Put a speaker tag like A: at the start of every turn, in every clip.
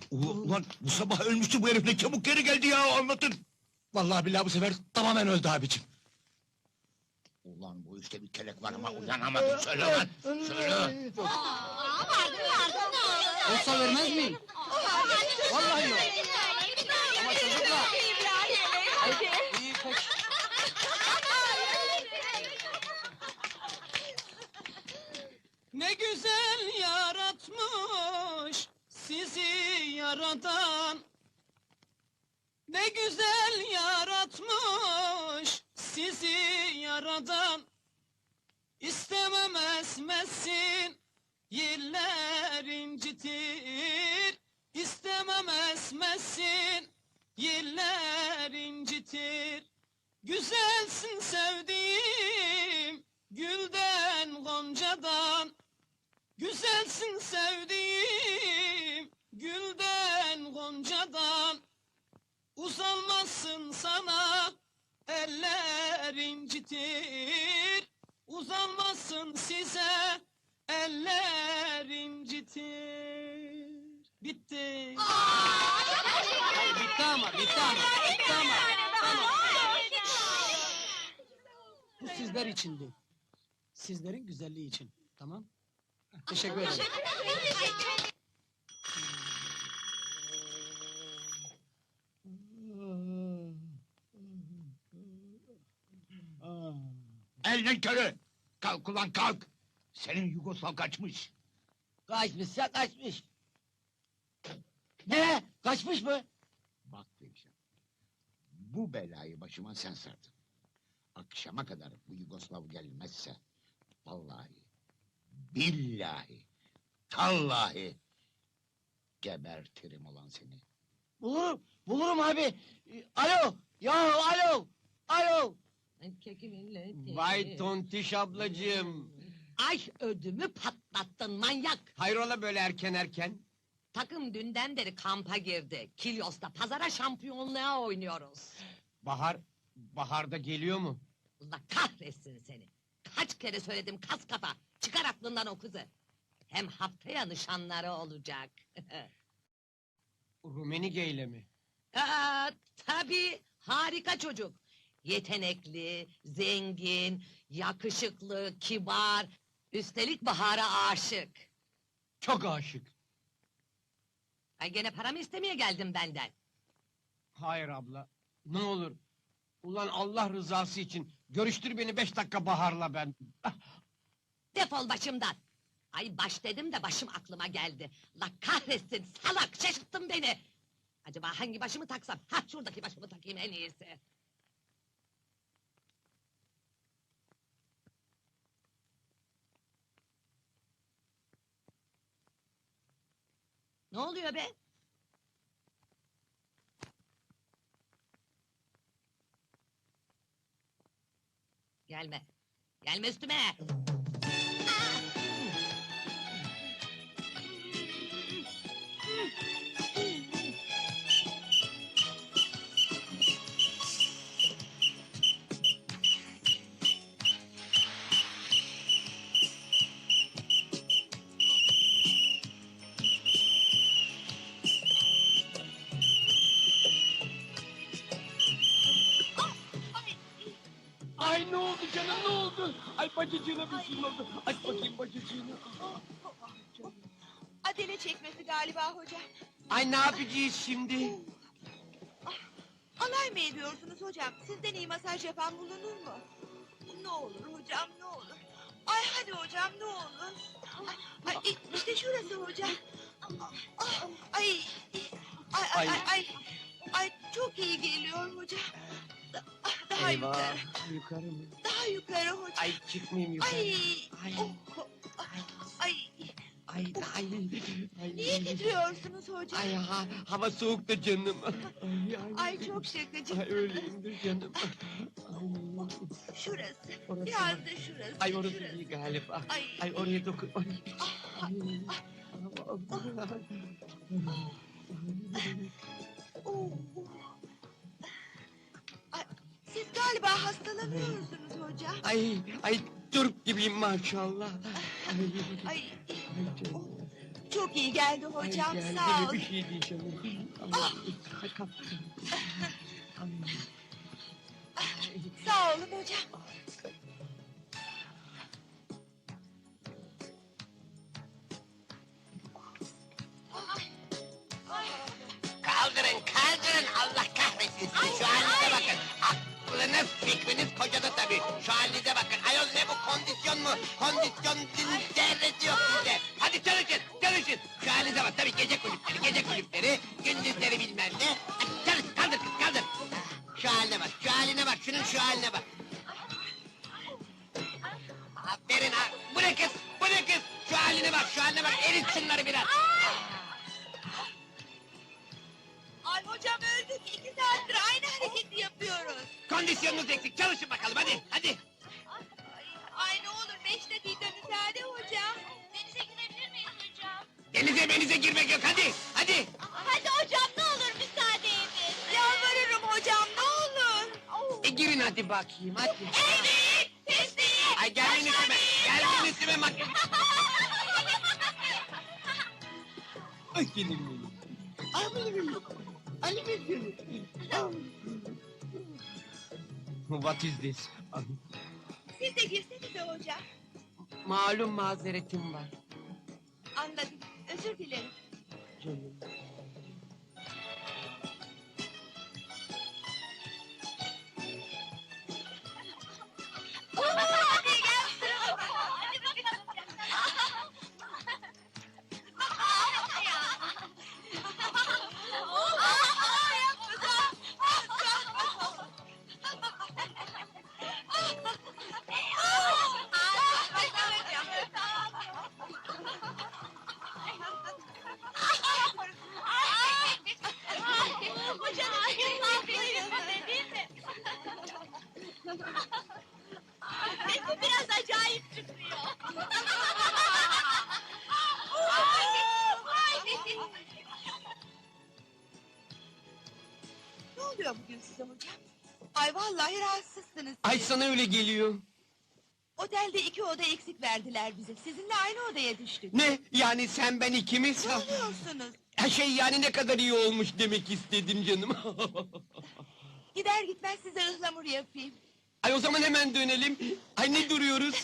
A: Ulan bu sabah ölmüştü bu herif, ne çabuk geri geldi ya, anlatın!
B: Vallahi billahi bu sefer tamamen öldü abicim.
A: Ulan bu işte bir kelek var ama uyanamadım, söyle lan! Söyle!
C: Olsa vermez miyim? Vallahi yok. Ama çocuklar. İyi peki.
D: Ne güzel yaratmış sizi yaradan. Ne güzel yaratmış sizi yaradan. İstemem esmesin, yiller incitir. İstemem esmesin, yiller incitir. Güzelsin sevdiğim, gülden goncadan. Güzelsin sevdiğim, gülden goncadan. Uzanmasın sana, eller incitir. Uzanmasın size, eller incitir. Bitti.
C: Hayır, bitti ama. Tamam. Bu sizler içindi. Sizlerin güzelliği için. Tamam? Teşekkür ederim.
A: Elden körü! Kalk ulan kalk! Senin Yugoslav kaçmış!
B: Kaçmışsa kaçmış. Ne? Kaçmış mı?
A: Bak diyeceğim. Bu belayı başıma sen sardın. Akşama kadar bu Yugoslav gelmezse... ...vallahi... ...billahi... ...tallahi... ...gebertirim ulan seni.
B: Bulurum abi. Alo, ya alo.
E: Vay tontiş ablacığım!
F: Ay ödümü patlattın manyak!
E: Hayrola böyle erken?
F: Takım dünden beri kampa girdi. Kilyos'ta pazara şampiyonluğa oynuyoruz.
E: Baharda geliyor mu?
F: Allah kahretsin seni! Kaç kere söyledim kas kafa! Çıkar aklından o kızı! Hem haftaya nişanları olacak.
E: Rumenige ile mi?
F: Tabii harika çocuk! Yetenekli, zengin, yakışıklı, kibar... ...üstelik Bahar'a aşık.
E: Çok aşık.
F: Ay gene paramı istemeye geldim benden.
E: Hayır abla, ne olur. Ulan Allah rızası için görüştür beni 5 dakika Bahar'la ben.
F: Defol başımdan! Ay baş dedim de başım aklıma geldi. La kahretsin salak, şaşırttın beni! Acaba hangi başımı taksam? Ha şuradaki başımı takayım en iyisi. Ne oluyor be? Gelme! Gelme üstüme!
E: Ay ne oldu canım, ne oldu? Ay bacıcığına bir şey oldu. Aç bakayım bacıcığını.
G: Adele çekmesi galiba hocam.
E: Ay ne yapacağız şimdi?
G: Alay mı ediyorsunuz hocam? Sizden iyi masaj yapan bulunur mu? Ne olur hocam, ne olur. Ay hadi hocam, ne olur. Ay, işte şurası hocam. Ay, ay, çok iyi geliyor hocam. Daha yukarı,
E: Yukarı mı?
G: daha yukarı hocam.
E: Ay çıkmayayım yukarı.
G: Ay,
E: Ay.
G: oh, ay,
E: Ay.
G: niye titriyorsunuz hocam?
E: Ay hava soğuk da canım.
G: Ay çok şakacı.
E: Ay öyleyimdir canım.
G: Şurası,
E: Orası
G: biraz
E: mı?
G: da şurası.
E: Ay orası
G: şurası.
E: iyi galiba.
G: Ay.
E: Ay oraya dokun.
G: Oo. Ay, siz galiba hastalanıyorsunuz hocam.
E: Ay Türk gibiyim maşallah.
G: Ay,
E: Ay canım.
G: oh, çok iyi geldi hocam. Sağ ol.
E: Bir şey değil canım.
G: Sağ olun hocam.
A: Kaldırın, kaldırın! Allah kahretsin sizi! Şu halinize bakın! Aklınız, fikriniz kocada tabii! Şu halinize bakın! Ayol ne bu, kondisyon mu? Kondisyon zerresi yok sizde! Hadi çalışın, çalışın! Şu halinize bak, tabii gece kulüpleri, gündüzleri bilmem ne! Hadi çalış, kaldır kız, kaldır! Şu haline bak, şu haline bak, şunun şu haline bak! Aferin ha! Bu ne kız, bu ne kız? Şu haline bak, şu haline bak! Erit şunları biraz!
G: Ay hocam öldük. 2 saattir aynı hareketi yapıyoruz.
A: Kondisyonunuz eksik, çalışın bakalım hadi, hadi!
G: Ay ne olur 5 dakika müsaade hocam. Denize girebilir miyiz hocam?
A: Denize girmek yok, hadi, hadi!
G: Hadi hocam ne olur müsaade edin. Yalvarırım hocam ne olur.
E: Girin hadi bakayım hadi.
G: Evet. Teslim.
A: Ay gelmeyin üstüme, gelmeyin üstüme makyaj!
E: Ay gelin benim. What is this?
G: Siz de girsenize hocam.
E: Malum mazeretim var.
G: Anladım. Özür dilerim.
E: Canım.
G: Hadi gel sırama. Hadi bakalım. Sesi biraz acayip çıkıyor. Ne oluyor bugün size hocam? Ay vallahi rahatsızsınız.
E: Ay sana öyle geliyor.
G: Otelde 2 oda eksik verdiler bize. Sizinle aynı odaya düştük.
E: Ne? Yani sen ben ikimiz?
G: Ne oluyorsunuz?
E: Her şey yani ne kadar iyi olmuş demek istedim canım.
G: Gider gitmez size ıhlamur yapayım.
E: Ay o zaman hemen dönelim. Ay ne duruyoruz?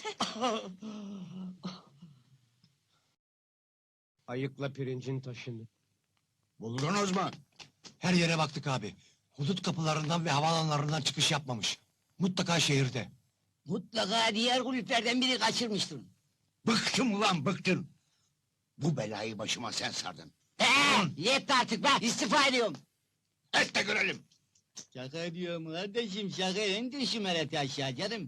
E: Ayıkla pirincin taşını.
B: Buldunuz mu? Her yere baktık abi. Hudut kapılarından ve havaalanlarından çıkış yapmamış. Mutlaka şehirde.
H: Mutlaka diğer kulüplerden biri kaçırmıştır.
A: Bıktım ulan, bıktım! Bu belayı başıma sen sardın.
H: Yetti artık be, istifa ediyorum.
A: Et de görelim!
H: Şaka ediyorum kardeşim, şaka indir şu mereti aşağı canım.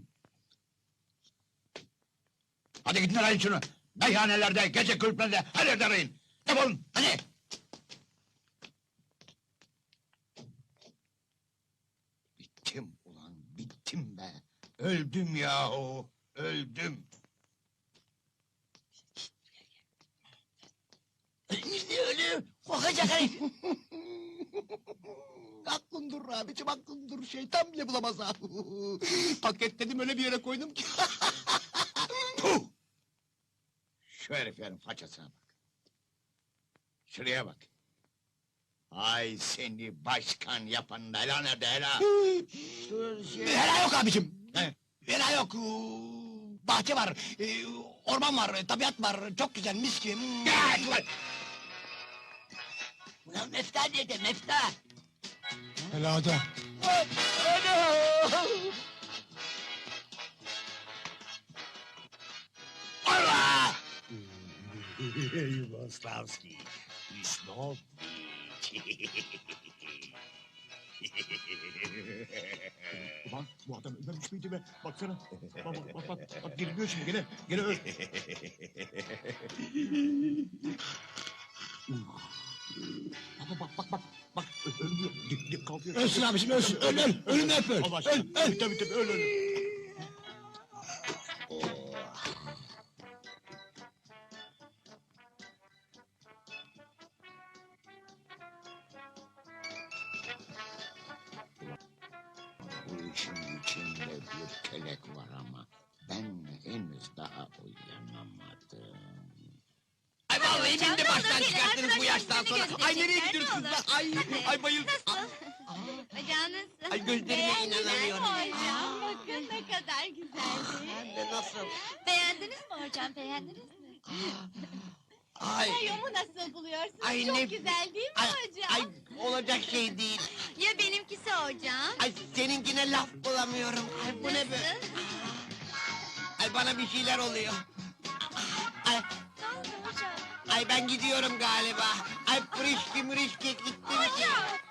A: Hadi gidin arayın şunu! Meyhanelerde, gece kulüplerinde, her yerde arayın! Defolun, hadi! Bittim ulan, bittim be! Öldüm yahu, öldüm!
H: Ölü, kokacak herif.
B: Aklın durur abicim, aklın durur. Şeytan bile bulamaz ha. Paketledim, öyle bir yere koydum ki.
A: Puh! Şu heriflerin façasına bak! Şuraya bak! Ay seni başkan yapan hela nerede hela?
B: Helal yok abicim.
A: Ne?
B: Helal yok. Bahçe var, orman var, tabiat var. Çok güzel, mis gibi.
A: Gel ulan!
H: Ulan mefta nerede, mefta?
B: Helada.
A: Allah!
B: Yugoslavski. Ulan bu adam ölmemiş miydi be? Baksana. Bak girmiyor şimdi gene. Gene öl. Bak ölmüyor. Dik kalkıyor. Ölsün abiciğim ölsün. Öl. Ölüm hep öl. Öl. Tabii öl.
A: Bu işin içinde bir kelek var ama ben henüz daha uyanamadım.
E: Ay vallahi bindi bak.
A: baştan
G: yüzünü
A: sona. Ay nereye
G: gösterecekler,
A: gidiyoruz
G: ne olur?
A: kızlar? Ay,
G: Hadi.
A: ay bayıl.
G: Hocam nasıl?
A: Ay, gözlerime
G: Beğendiniz mi
A: inanamıyorum.
G: hocam? Bakın ne kadar güzeldi.
A: Hem de nasıl?
G: Beğendiniz mi hocam? Beğendiniz mi?
A: Ay,
G: Mayomu nasıl buluyorsunuz?
A: Ay,
G: Çok
A: ne-
G: güzel değil mi
A: ay,
G: hocam?
A: ay olacak şey değil.
G: Ya benimkisi hocam?
A: Ay seninkine laf bulamıyorum. Ay bu ne be? Ay bana bir şeyler oluyor. Ay,
G: Ne oldu hocam?
A: ay ben gidiyorum galiba. Ay pırışki mırışki gitti.
G: Hocam!